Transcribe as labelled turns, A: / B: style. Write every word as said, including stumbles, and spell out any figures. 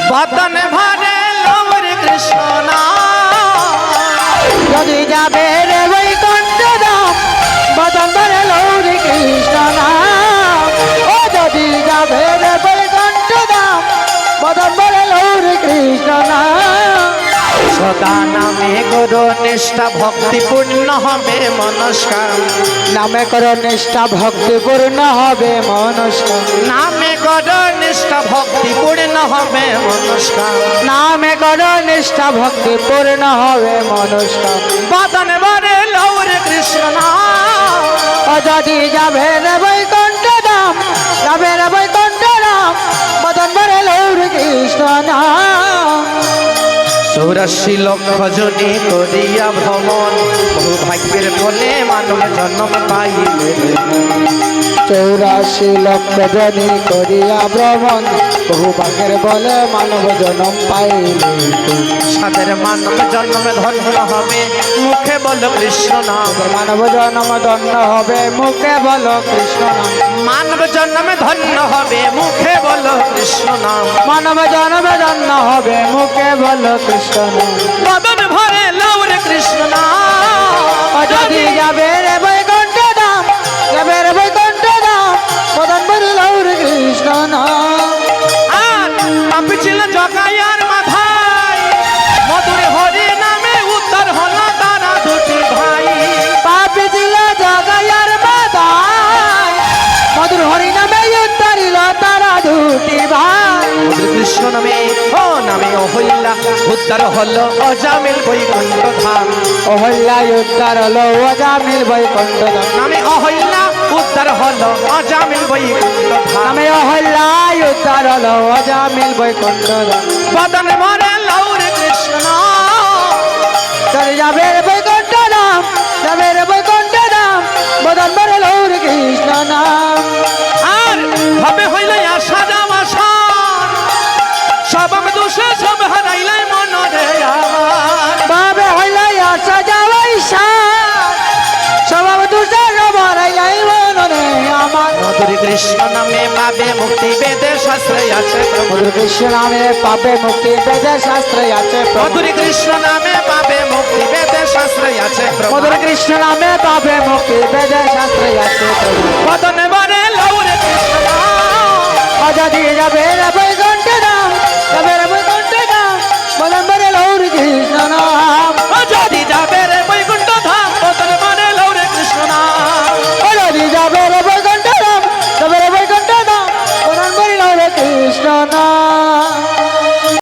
A: বদন ভরে লৌরে কৃষ্ণ
B: যদি যাবে রে বৈকুণ্ঠ ধাম বদন ভরে লৌরে কৃষ্ণ নাম ও যদি যাবে রে বৈকুণ্ঠ ধাম বদন ভরে লৌরে কৃষ্ণ নাম
A: সদা নামে গুরু নিষ্ঠা ভক্তিপূর্ণ হবে মনস্কার
B: নামে করো নিষ্ঠা ভক্তিপূর্ণ হবে মনস্কার
A: নামে গুরু নিষ্ঠা ভক্তিপূর্ণ হবে মনস্কার
B: নামে করো নিষ্ঠা ভক্তিপূর্ণ হবে মনস্কার
A: বদন ভরে লৌরে কৃষ্ণ
B: ও যদি যাবে রে বৈকুণ্ঠ ধাম যাবে রে বৈকুণ্ঠ ধাম বদন ভরে লৌরে কৃষ্ণ নাম
A: চৌরাশি লক্ষ জনে করিয়া ভ্রমণ বহু ভাগ্যের ফলে মানব জন্ম পাইলে
B: চৌরাশি লক্ষ জনি করিয়া ভ্রমণ বহু ভাগের বলে মানব জন্ম পাইলে
A: সাদের মানব জন্ম ধন্য হবে মুখে বল কৃষ্ণ নাম
B: মানব জন্ম ধন্য হবে মুখে বলো কৃষ্ণ নাম
A: মানব জন্মে ধন্য হবে মুখে বল কৃষ্ণ নাম
B: মানব জন্ম ধন্য হবে মুখে বলো কৃষ্ণ নাম
A: বদন ভরে লৌরে কৃষ্ণ নাম
B: ও যদি যাবে রে বৈকুণ্ঠ ধাম যাবে রে বৈকুণ্ঠ ধাম বদন ভরে লৌরে কৃষ্ণ নাম
A: আর পাপি ছিল জগাইয়ার মাথায় মধুর হরি নামে উত্তর হলো তারা দুটি ভাই
B: পাপি ছিল জগাইয়ার মাথায় মধুর হরি নামে উত্তরিল তারা দুটি ভাই
A: কৃষ্ণ নামে ও নামে অহল্যা উদ্ধার হলো অজামিল বৈকুণ্ঠ ধাম
B: অহল্যায় উদ্ধার হলো অজামিল বৈকুণ্ঠ ধাম
A: নামে অহল্যা উদ্ধার হলো অজামিল বৈকুণ্ঠ ধাম
B: নামে অহল্যায় উদ্ধার হলো অজামিল বৈকুণ্ঠ ধাম
A: বদন ভরে লৌরে কৃষ্ণ
B: চলে যাবে রে বৈকুণ্ঠ ধাম যাবে রে বৈকুণ্ঠ ধাম বদন ভরে লৌরে কৃষ্ণ নাম
A: আর ভাবে হইল আশা যাওয়া সব আমি দোষে সব হারাইলাই মনরে আমার
B: বাবে হইল আশা যাওয়াই স্বভাব দুষে সবরাই মনে আমার
A: মধুর কৃষ্ণ নামে পাবে মুক্তি বেদে শাস্ত্রে আছে
B: মধুর কৃষ্ণ নামে পাবে মুক্তি বেদে শাস্ত্রে আছে
A: মধুর কৃষ্ণ নামে পাবে মুক্তি বেদে শাস্ত্রে আছে
B: মধুর কৃষ্ণ নামে পাবে মুক্তি বেদে শাস্ত্রে আছে
A: বদনে বরে লৌরে কৃষ্ণ
B: যদি যাবে রে